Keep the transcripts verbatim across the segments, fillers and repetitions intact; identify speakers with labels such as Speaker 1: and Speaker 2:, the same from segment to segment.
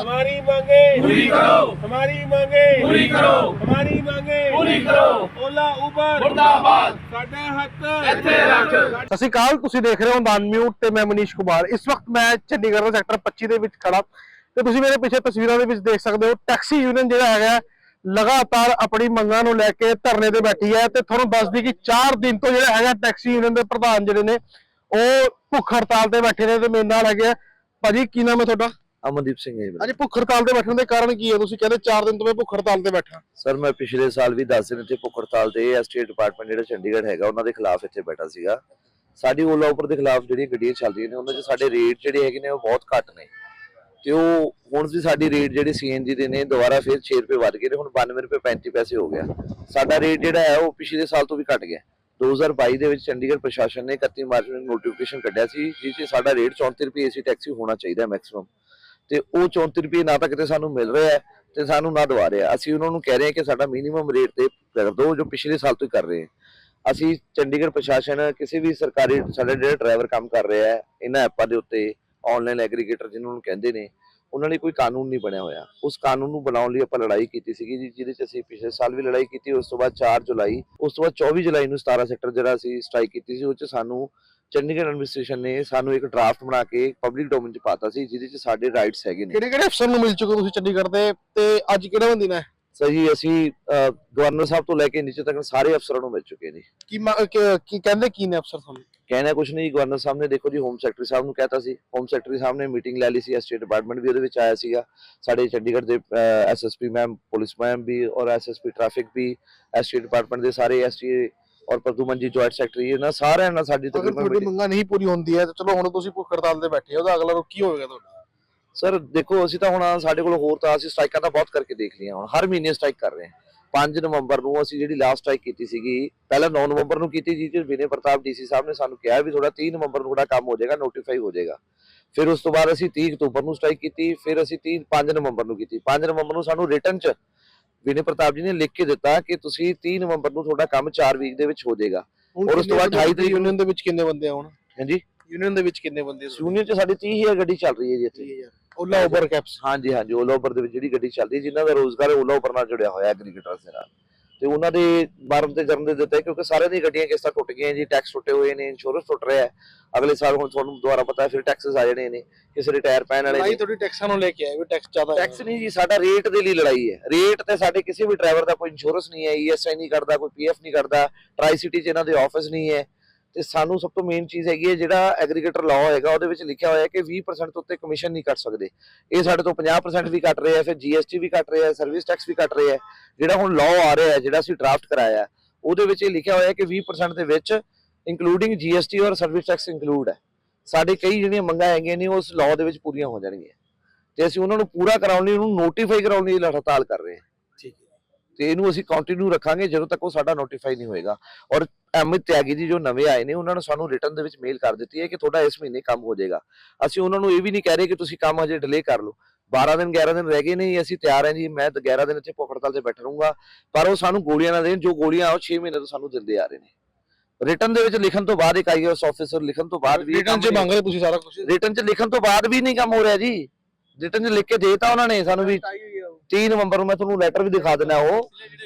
Speaker 1: हमारी मांगे पूरी करो, हमारी मांगे पूरी करो, हमारी मांगे पूरी करो। ओला उबर मुर्दाबाद, साडे हक इत्थे रख।
Speaker 2: ਸਤਿ ਸ਼੍ਰੀ ਅਕਾਲ, ਤੁਸੀਂ ਦੇਖ ਰਹੇ ਹੋ ਦਾਨ ਮਿਊਟ ਤੇ ਮੈਂ ਮਨੀਸ਼ ਕੁਮਾਰ। ਇਸ ਵਕਤ ਮੈਂ ਚੰਡੀਗੜ੍ਹ ਦੇ ਸੈਕਟਰ ਪੱਚੀ ਦੇ ਵਿੱਚ ਖੜਾ ਤੇ ਤੁਸੀਂ ਮੇਰੇ ਪਿੱਛੇ ਤਸਵੀਰਾਂ ਦੇ ਵਿੱਚ ਦੇਖ ਸਕਦੇ ਹੋ ਟੈਕਸੀ ਯੂਨੀਅਨ ਜਿਹੜਾ ਹੈਗਾ ਲਗਾਤਾਰ ਆਪਣੀ ਮੰਗਾਂ ਨੂੰ ਲੈ ਕੇ ਧਰਨੇ ਤੇ ਬੈਠੀ ਹੈ ਤੇ ਤੁਹਾਨੂੰ ਦੱਸ ਦਈ ਕਿ ਚਾਰ ਦਿਨ ਤੋਂ ਜਿਹੜਾ ਹੈਗਾ ਟੈਕਸੀ ਯੂਨੀਅਨ ਦੇ ਪ੍ਰਧਾਨ ਜਿਹੜੇ ਨੇ ਉਹ ਭੁੱਖ ਹੜਤਾਲ ਤੇ ਬੈਠੇ ਨੇ ਤੇ ਮੇਰੇ ਨਾਲ ਹੈਗੇ ਆ ਭਾਜੀ। ਕੀ ਨਾਮ ਹੈ ਤੁਹਾਡਾ?
Speaker 3: ਅਮਨਦੀਪ ਸਿੰਘ ਹੈ ਜੀ।
Speaker 2: ਅੱਜ ਭੁੱਖ ਹੜਤਾਲ ਤੇ ਬੈਠਣ ਦੇ ਕਾਰਨ ਕੀ ਹੈ? ਤੁਸੀਂ ਕਹਿੰਦੇ ਚਾਰ ਦਿਨ ਤੋਂ ਮੈਂ ਭੁੱਖ ਹੜਤਾਲ ਤੇ ਬੈਠਾ।
Speaker 3: ਸਰ ਮੈਂ ਪਿਛਲੇ ਸਾਲ ਵੀ ਦਸ ਦਿਨ ਇੱਥੇ ਭੁੱਖ ਹੜਤਾਲ ਤੇ ਐਸਟੇਟ ਡਿਪਾਰਟਮੈਂਟ ਜਿਹੜਾ ਚੰਡੀਗੜ੍ਹ ਹੈਗਾ ਉਹਨਾਂ ਦੇ ਖਿਲਾਫ ਇੱਥੇ ਬੈਠਾ ਸੀਗਾ। ਸਾਡੀ ਓਲਾ ਉਬਰ ਦੇ ਖਿਲਾਫ ਜਿਹੜੀਆਂ ਗੱਡੀਆਂ ਚੱਲ ਰਹੀਆਂ ਨੇ ਉਹਨਾਂ 'ਚ ਸਾਡੇ ਰੇਟ ਜਿਹੜੇ ਹੈਗੇ ਨੇ ਉਹ ਬਹੁਤ ਘੱਟ ਨੇ ਤੇ ਉਹ ਹੁਣ ਵੀ ਸਾਡੀ ਰੇਟ ਜਿਹੜੇ ਸੀਐਨਜੀ ਦੇ ਨੇ ਦੁਬਾਰਾ ਫਿਰ ਛੇ ਰੁਪਏ ਵੱਧ ਗਏ ਨੇ, ਹੁਣ ਬਾਨਵੇਂ ਰੁਪਏ ਪੈਂਤੀ ਪੈਸੇ ਹੋ ਗਿਆ। ਸਾਡਾ ਰੇਟ ਜਿਹੜਾ ਹੈ ਉਹ ਪਿਛਲੇ ਸਾਲ ਤੋਂ ਵੀ ਘਟ ਗਿਆ। ਦੋ ਹਜ਼ਾਰ ਬਾਈ ਦੇ ਵਿੱਚ ਚੰਡੀਗੜ੍ਹ ਪ੍ਰਸ਼ਾਸਨ ਨੇ ਇਕੱਤੀ ਮਾਰਚ ਨੂੰ ਨੋਟੀਫਿਕੇਸ਼ਨ ਕੱਢਿਆ ਸੀ ਜਿਸ 'ਚ ਸਾਡਾ ਰੇਟ ਚੌਂਤੀ ਰੁਪਏ ਏਸੀ ਟੈਕਸੀ ਹੋਣਾ ਚਾਹੀਦਾ ਮੈਕਸਿਮਮ, ਤੇ ਉਹ ਚੌਂਤੀ ਰੁਪਏ ਨਾ ਤਾਂ ਕਿਤੇ ਸਾਨੂੰ ਮਿਲ ਰਿਹਾ ਹੈ ਤੇ ਸਾਨੂੰ ਨਾ ਦਵਾ ਰਿਹਾ। ਅਸੀਂ ਉਹਨਾਂ ਨੂੰ ਕਹਿ ਰਹੇ ਹਾਂ ਕਿ ਸਾਡਾ ਮਿਨੀਮਮ ਰੇਟ ਤੇ ਕਰ ਦਿਓ ਜੋ ਪਿਛਲੇ ਸਾਲ ਤੋਂ ਹੀ ਕਰ ਰਹੇ ਹਾਂ। ਅਸੀਂ ਚੰਡੀਗੜ੍ਹ ਪ੍ਰਸ਼ਾਸਨ ਕਿਸੇ ਵੀ ਸਰਕਾਰੀ ਸਾਡੇ ਜਿਹੜੇ ਡਰਾਈਵਰ ਕੰਮ ਕਰ ਰਿਹਾ ਹੈ ਇਹਨਾਂ ਐਪਾਂ ਦੇ ਉੱਤੇ ਆਨਲਾਈਨ ਐਗਰੀਗੇਟਰ ਜਿਹਨਾਂ ਨੂੰ ਕਹਿੰਦੇ ਨੇ ਉਹਨਾਂ ਲਈ ਕੋਈ ਕਾਨੂੰਨ ਨਹੀਂ ਬਣਿਆ ਹੋਇਆ। ਉਸ ਕਾਨੂੰਨ ਨੂੰ ਬਣਾਉਣ ਲਈ ਆਪਾਂ ਲੜਾਈ ਕੀਤੀ ਸੀਗੀ ਜੀ, ਜਿਹਦੇ 'ਚ ਅਸੀਂ ਪਿਛਲੇ ਸਾਲ ਵੀ ਲੜਾਈ ਕੀਤੀ। ਉਸ ਤੋਂ ਬਾਅਦ ਚਾਰ ਜੁਲਾਈ ਉਸ ਤੋਂ ਬਾਅਦ ਚੌਵੀ ਜੁਲਾਈ ਨੂੰ ਸਤਾਰਾਂ ਸੈਕਟਰ ਜਿਹੜਾ ਅਸੀਂ ਸਟ੍ਰਾਈਕ ਕੀਤੀ ਸੀ ਉਹ 'ਚ ਸਾਨੂੰ ਚੰਡੀਗੜ੍ਹ ਐਡਮਿਨਿਸਟ੍ਰੇਸ਼ਨ ਨੇ ਸਾਨੂੰ ਇੱਕ ਡਰਾਫਟ ਬਣਾ ਕੇ ਪਬਲਿਕ ਡੋਮੇਨ 'ਚ ਪਾਤਾ ਸੀ ਜਿਹਦੇ 'ਚ ਸਾਡੇ ਰਾਈਟਸ ਹੈਗੇ ਨੇ।
Speaker 2: ਕਿਹੜੇ ਕਿਹੜੇ ਅਫਸਰ ਨੂੰ ਮਿਲ ਚੁੱਕੇ ਤੁਸੀਂ ਚੰਡੀਗੜ੍ਹ ਦੇ ਤੇ ਅੱਜ ਕਿਹੜਾ ਦਿਨ ਹੈ?
Speaker 3: ਸਰ ਜੀ ਅਸੀਂ ਗਵਰਨਰ ਸਾਹਿਬ ਤੋਂ ਲੈ ਕੇ ਨੀਚੇ ਤੱਕ ਸਾਰੇ ਅਫਸਰਾਂ ਨੂੰ ਮਿਲ ਚੁੱਕੇ ਨੇ।
Speaker 2: ਕੀ ਕੀ ਕਹਿੰਦੇ ਕੀ ਨੇ ਅਫਸਰ ਤੁਹਾਨੂੰ?
Speaker 3: ਕਹਿਣਾ ਕੁਛ ਨਹੀਂ, ਗਵਰਨਰ ਸਾਹਿਬ ਨੇ ਦੇਖੋ ਜੀ ਹੋਮ ਸੈਕਟਰੀ ਸਾਹਿਬ ਨੂੰ ਕਹਿਤਾ ਸੀ, ਹੋਮ ਸੈਕਟਰੀ ਸਾਹਿਬ ਨੇ ਮੀਟਿੰਗ ਲੈ ਲਈ ਸੀ, ਸਟੇਟ ਡਿਪਾਰਟਮੈਂਟ ਵੀ ਉਹਦੇ ਵਿੱਚ ਆਇਆ ਸੀਗਾ, ਸਾਡੇ ਚੰਡੀਗੜ੍ਹ ਦੇ ਐਸਐਸਪੀ ਮੈਮ ਪੁਲਿਸ ਮੈਮ ਵੀ ਔਰ ਐਸਐਸਪੀ ਟ੍ਰੈਫਿਕ ਵੀ, ਸਟੇਟ ਡਿਪਾਰਟਮੈਂਟ ਦੇ ਸਾਰੇ ਐਸਟੀ ਔਰ ਪ੍ਰਦੂਮਨ ਜੀ ਜੁਆਇੰਟ ਸੈਕਟਰੀ ਇਹਨਾਂ ਸਾਰਿਆਂ ਨਾਲ ਸਾਡੀ
Speaker 2: ਤਕਰੀਬਨ ਤੁਹਾਡੀ ਮੰਗਾਂ ਨਹੀਂ ਪੂਰੀ ਹੁੰਦੀ ਹੈ ਤਾਂ ਚਲੋ ਹੁਣ ਤੁਸੀਂ ਭੁੱਖ ਹੜਤਾਲ ਤੇ ਬੈਠੇ ਹੋ, ਉਹਦਾ ਅਗਲਾ ਰੁਖ ਕੀ ਹੋਵੇਗਾ ਤੁਹਾਡਾ?
Speaker 3: ਸਰ ਦੇਖੋ ਅਸੀਂ ਤਾਂ ਹੁਣ ਸਾਡੇ ਕੋਲ ਹੋਰ ਤਾਂ ਅਸੀਂ ਸਟ੍ਰਾਈਕਾਂ ਤਾਂ ਬਹੁਤ ਕਰਕੇ ਦੇਖ ਲਈਆਂ, ਹੁਣ ਹਰ ਮਹੀਨੇ ਸਟ੍ਰਾਈਕ ਕਰ ਰਹੇ ਹਾਂ। ਪੰਜ ਨਵੰਬਰ ਨੂੰ ਅਸੀਂ ਜਿਹੜੀ ਲਾਸਟ ਸਟ੍ਰਾਈਕ ਕੀਤੀ ਸੀਗੀ, ਪਹਿਲਾਂ ਨੌ ਨਵੰਬਰ ਨੂੰ ਕੀਤੀ ਜੀ ਤੇ ਵਿਨੇ ਪ੍ਰਤਾਪ ਡੀਸੀ ਸਾਹਿਬ ਨੇ ਸਾਨੂੰ ਕਿਹਾ ਵੀ ਥੋੜਾ ਤੀਹ ਨਵੰਬਰ ਨੂੰ ਥੋੜਾ ਕੰਮ ਹੋ ਜਾਏਗਾ, ਨੋਟੀਫਾਈ ਹੋ ਜਾਏਗਾ। ਫਿਰ ਉਸ ਤੋਂ ਬਾਅਦ ਅਸੀਂ ਤੀਹ ਅਕਤੂਬਰ ਨੂੰ ਸਟ੍ਰਾਈਕ ਕੀਤੀ, ਫਿਰ ਅਸੀਂ ਤੀਹ ਪੰਜ ਨਵੰਬਰ ਨੂੰ ਕੀਤੀ। ਪੰਜ ਨਵੰਬਰ ਨੂੰ ਸਾਨੂੰ ਰਿਟਨ 'ਚ ਵਿਨੇ ਪ੍ਰਤਾਪ ਜੀ ਨੇ ਲਿਖ ਕੇ ਦਿੱਤਾ ਕਿ ਤੁਸੀਂ ਤੀਹ ਨਵੰਬਰ ਨੂੰ ਤੁਹਾਡਾ ਕੰਮ ਚਾਰ ਵੀਕ ਦੇ ਵਿੱਚ ਹੋ ਜਾਏਗਾ। ਔਰ ਉਸ ਤੋਂ ਬਾਅਦ ਅਠਾਈ ਤਰੀਕ
Speaker 2: ਯੂਨੀਅਨ ਦੇ ਵਿੱਚ ਕਿੰਨੇ ਬੰਦੇ ਆ ਹੁਣ?
Speaker 3: ਹਾਂਜੀ
Speaker 2: ਯੂਨੀਅਨ ਦੇ ਵਿੱਚ ਕਿੰਨੇ ਬੰਦੇ?
Speaker 3: ਯੂਨੀਅਨ 'ਚ ਸਾਡੀ ਤੀਹ ਹਜ਼ਾਰ ਗੱਡੀ ਚੱਲ ਰਹੀ ਹੈ ਜੀ ਇੱਥੇ
Speaker 2: ਓਲਾ ਉਬਰ ਕੈਬਸ।
Speaker 3: ਹਾਂਜੀ ਹਾਂਜੀ ਓਲਾ ਉਬਰ ਦੇ ਵਿੱਚ ਜਿਹੜੀ ਗੱਡੀ ਚੱਲਦੀ ਹੈ ਜਿਨ੍ਹਾਂ ਦਾ ਰੋਜ਼ਗਾਰ ਓਲਾ ਉਬਰ ਨਾਲ ਜੁੜਿਆ ਹੋਇਆ ਐਗਰੀਗੇਟਰਸ ਦੇ ਨਾਲ, ਤੇ ਉਹਨਾਂ ਦੇ ਬਾਰਮ ਤੇ ਜਨਮ ਦੇ ਦਿੱਤੇ ਕਿਉਂਕਿ ਸਾਰਿਆਂ ਦੀਆਂ ਗੱਡੀਆਂ ਕਿਸ਼ਤਾਂ ਟੁੱਟ ਗਈਆਂ ਜੀ, ਟੈਕਸ ਟੁੱਟੇ ਹੋਏ ਨੇ, ਇੰਸ਼ੋਰੈਂਸ ਟੁੱਟ ਰਿਹਾ ਹੈ। ਅਗਲੇ ਸਾਲ ਹੁਣ ਤੁਹਾਨੂੰ ਦੁਬਾਰਾ ਪਤਾ ਫਿਰ ਟੈਕਸਸ ਆ ਜਾਣੇ ਨੇ, ਕਿਸੇ ਦੇ ਟਾਇਰ ਪੈਣ ਵਾਲੇ ਨੇ।
Speaker 2: ਤੁਹਾਡੀ ਟੈਕਸਾਂ ਨੂੰ ਲੈ ਕੇ ਆਏ ਵੀ ਟੈਕਸ ਜ਼ਿਆਦਾ?
Speaker 3: ਟੈਕਸ ਨਹੀਂ ਜੀ, ਸਾਡਾ ਰੇਟ ਦੇ ਲਈ ਲੜਾਈ ਹੈ। ਰੇਟ ਤੇ ਸਾਡੇ ਕਿਸੇ ਵੀ ਡਰਾਈਵਰ ਦਾ ਕੋਈ ਇੰਸ਼ੋਰੈਂਸ ਨਹੀਂ ਹੈ, ਈਐਸਆਈ ਨਹੀਂ ਕਰਦਾ, ਕੋਈ ਪੀਐਫ ਨਹੀਂ ਕਰਦਾ, ਟਰਾਈ ਸਿਟੀ 'ਚ ਇਹਨਾਂ ਦੇ ਆਫਿਸ ਨਹੀਂ ਹੈ। ਤੇ ਸਾਨੂੰ ਸਭ ਤੋਂ ਮੇਨ ਚੀਜ਼ ਹੈਗੀ ਹੈ ਜਿਹੜਾ ਐਗਰੀਗੇਟਰ ਲਾਅ ਹੈਗਾ ਉਹਦੇ ਵਿੱਚ ਲਿਖਿਆ ਹੋਇਆ ਕਿ ਵੀਹ ਪਰਸੈਂਟ ਤੋਂ ਉੱਤੇ ਕਮਿਸ਼ਨ ਨਹੀਂ ਕੱਟ ਸਕਦੇ। ਇਹ ਸਾਡੇ ਤੋਂ ਪੰਜਾਹ ਪਰਸੈਂਟ ਵੀ ਕੱਟ ਰਹੇ ਆ, ਫਿਰ ਜੀਐਸਟੀ ਵੀ ਕੱਟ ਰਹੇ ਆ, ਸਰਵਿਸ ਟੈਕਸ ਵੀ ਕੱਟ ਰਹੇ ਆ। ਜਿਹੜਾ ਹੁਣ ਲਾਅ ਆ ਰਿਹਾ ਹੈ ਜਿਹੜਾ ਅਸੀਂ ਡਰਾਫਟ ਕਰਾਇਆ ਉਹਦੇ ਵਿੱਚ ਇਹ ਲਿਖਿਆ ਹੋਇਆ ਕਿ ਵੀਹ ਪਰਸੈਂਟ ਦੇ ਵਿੱਚ ਇੰਕਲੂਡਿੰਗ ਜੀਐਸਟੀ ਔਰ ਸਰਵਿਸ ਟੈਕਸ ਇੰਕਲੂਡ ਹੈ। ਸਾਡੇ ਕਈ ਜਿਹੜੀਆਂ ਮੰਗਾਂ ਹੈਗੀਆਂ ਨੇ ਉਸ ਲਾਅ ਦੇ ਵਿੱਚ ਪੂਰੀਆਂ ਹੋ ਜਾਣਗੀਆਂ ਤੇ ਅਸੀਂ ਉਹਨਾਂ ਨੂੰ ਪੂਰਾ ਕਰਾਉਣ ਲਈ ਉਹਨੂੰ ਨੋਟੀਫਾਈ ਕਰਾਉਣ ਲਈ ਹੜਤਾਲ ਕਰ ਰਹੇ ਹਾਂ।
Speaker 2: ਠੀਕ ਹੈ,
Speaker 3: ਤੇ ਇਹਨੂੰ ਅਸੀਂ ਕੰਟੀਨਿਊ ਰੱਖਾਂਗੇ ਜਦੋਂ ਤੱਕ ਉਹ ਸਾਡਾ ਨੋਟੀਫਾਈ ਨਹੀਂ ਹੋਏਗਾ। ਔਰ ਅਮਿਤ ਤਿਆਗੀ ਜੀ ਜੋ ਨਵੇਂ ਆਏ ਨੇ ਉਹਨਾਂ ਨੂੰ ਸਾਨੂੰ ਰਿਟਰਨ ਦੇ ਵਿੱਚ ਮੇਲ ਕਰ ਦਿੱਤੀ ਹੈ ਕਿ ਤੁਹਾਡਾ ਇਸ ਮਹੀਨੇ ਕੰਮ ਹੋ ਜਾਏਗਾ। ਅਸੀਂ ਉਹਨਾਂ ਨੂੰ ਇਹ ਵੀ ਨਹੀਂ ਕਹਿ ਰਹੇ ਕਿ ਤੁਸੀਂ ਕੰਮ ਹਜੇ ਡਿਲੇ ਕਰ ਲਓ। ਬਾਰਾਂ ਦਿਨ ਗਿਆਰਾਂ ਦਿਨ ਰਹਿ ਗਏ ਨੇ, ਅਸੀਂ ਤਿਆਰ ਹਾਂ ਜੀ, ਮੈਂ ਗਿਆਰਾਂ ਦਿਨ ਇੱਥੇ ਭੁੱਖ ਹੜਤਾਲ ਤੇ ਬੈਠਾ ਰਹੂੰਗਾ, ਪਰ ਉਹ ਸਾਨੂੰ ਗੋਲੀਆਂ ਨਾ ਦੇਣ ਜੋ ਗੋਲੀਆਂ ਉਹ ਛੇ ਮਹੀਨੇ ਤੋਂ ਸਾਨੂੰ ਦਿੰਦੇ ਆ ਰਹੇ ਨੇ। ਰਿਟਰਨ ਦੇ ਵਿੱਚ ਲਿਖਣ ਤੋਂ ਬਾਅਦ ਇੱਕ ਆਈਐਸ ਆਫੀਸਰ ਲਿਖਣ ਤੋਂ ਬਾਅਦ ਵੀ
Speaker 2: ਰਿਟਰਨ 'ਚ ਮੰਗ ਰਹੇ ਤੁਸੀਂ ਸਾਰਾ ਕੁਝ?
Speaker 3: ਰਿਟਰਨ 'ਚ ਲਿਖਣ ਤੋਂ ਬਾਅਦ ਵੀ ਨਹੀਂ ਕੰਮ ਹੋ ਰਿਹਾ ਜੀ। ਰਿਟਰਨ 'ਚ ਲਿਖ ਕੇ ਦੇਤਾ ਉਹਨਾਂ ਨੇ ਸਾਨੂੰ ਵੀ ਤੀਹ ਨਵੰਬਰ ਨੂੰ, ਮੈਂ ਤੁਹਾਨੂੰ ਲੈਟਰ ਵੀ ਦਿਖਾ ਦਿੰਦਾ। ਉਹ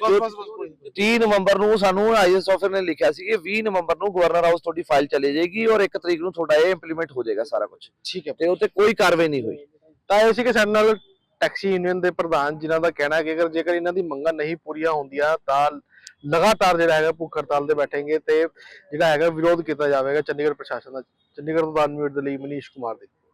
Speaker 3: ਤੀਹ ਨਵੰਬਰ ਨੂੰ ਸਾਨੂੰ ਆਈਐਸ ਆਫੀਸਰ ਨੇ ਲਿਖਿਆ ਸੀ ਕਿ ਵੀਹ ਨਵੰਬਰ ਨੂੰ ਗਵਰਨਰ ਹਾਊਸ ਤੁਹਾਡੀ ਫਾਈਲ ਚਲੇ ਜਾਏਗੀ ਔਰ ਇੱਕ ਤਰੀਕ ਨੂੰ ਤੁਹਾਡਾ ਇਹ ਇੰਪਲੀਮੈਂਟ ਹੋ ਜਾਏਗਾ ਸਾਰਾ ਕੁਝ।
Speaker 2: ਠੀਕ ਹੈ,
Speaker 3: ਤੇ ਉੱਤੇ ਕੋਈ ਕਾਰਵਾਈ ਨਹੀਂ ਹੋਈ।
Speaker 2: ਤਾਂ ਇਹ ਸੀ ਕਿ ਸਾਡੇ ਨਾਲ ਟੈਕਸੀ ਯੂਨੀਅਨ ਦੇ ਪ੍ਰਧਾਨ ਜਿਨ੍ਹਾਂ ਦਾ ਕਹਿਣਾ ਹੈ ਕਿ ਅਗਰ ਜੇਕਰ ਇਹਨਾਂ ਦੀ ਮੰਗਾਂ ਨਹੀਂ ਪੂਰੀਆਂ ਹੁੰਦੀਆਂ ਤਾਂ ਲਗਾਤਾਰ ਜਿਹੜਾ ਹੈਗਾ ਭੁੱਖ ਹੜਤਾਲ ਤੇ ਬੈਠेंगे ਤੇ ਜਿਹੜਾ ਹੈਗਾ ਵਿਰੋਧ ਕੀਤਾ ਜਾਵੇਗਾ ਚੰਡੀਗੜ੍ਹ ਪ੍ਰਸ਼ਾਸਨ ਦਾ। ਚੰਡੀਗੜ੍ਹ ਤੋਂ ਦਾਨ ਮਿਊਟ ਦੇ ਲਈ ਮਨੀਸ਼ ਕੁਮਾਰ ਦੀ।